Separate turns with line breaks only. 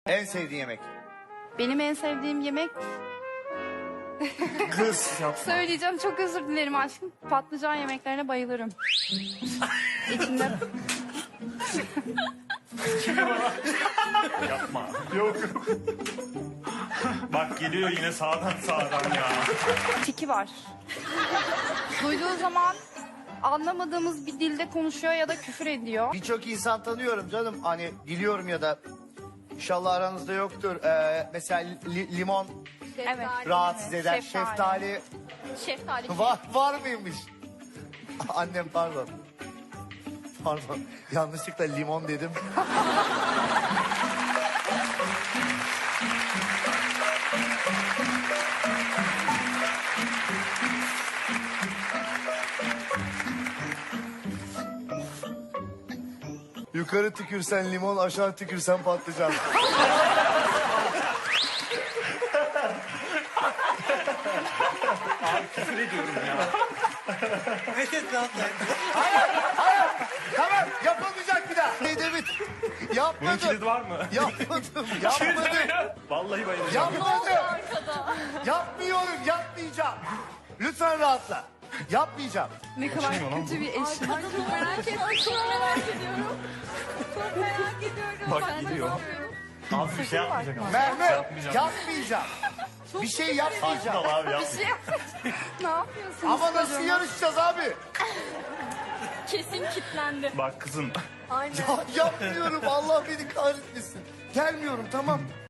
En sevdiğin yemek?
Benim en sevdiğim yemek,
Kız.
söyleyeceğim, çok özür dilerim aşkım. Patlıcan yemeklerine bayılırım. İçinde
Yapma. Yok. Bak geliyor yine sağdan ya.
tiki var. Duyduğu zaman anlamadığımız bir dilde konuşuyor ya da küfür ediyor.
Birçok insan tanıyorum canım. Hani biliyorum ya da inşallah aranızda yoktur. Mesela limon
Evet.
rahatsız eder.
Şeftali.
Şeftali var mıymış? Annem pardon. Pardon. Yanlışlıkla limon dedim. Yukarı tükürsen limon, aşağı tükürsen patlıcan.
Küfür ediyorum ya.
Tamam, yapılmayacak bir daha. Edebit.
Bunun
Yapmadım.
kilidi var mı?
Yapmadım.
Vallahi bayılacağım.
Yapmadım. Yapmıyorum, yapmayacağım. Lütfen rahatla. Yapmayacağım.
Ne kadar kötü bir eşim.
Çok merak ediyorum. Çok merak ediyorum. Çok merak ediyorum.
Bak gidiyor. Az bir şey yapmayacak ama.
Merve,
Yapmayacağım.
yapmayacağım. Bir şey yapmayacağım.
Al abi yap.
Ne yapıyorsunuz?
Ama nasıl
çocuğum?
yarışacağız abi?
Kesin kilitlendi.
Bak kızım.
Aynen.
Ya yapmıyorum, Allah beni kahretmesin. Gelmiyorum, tamam.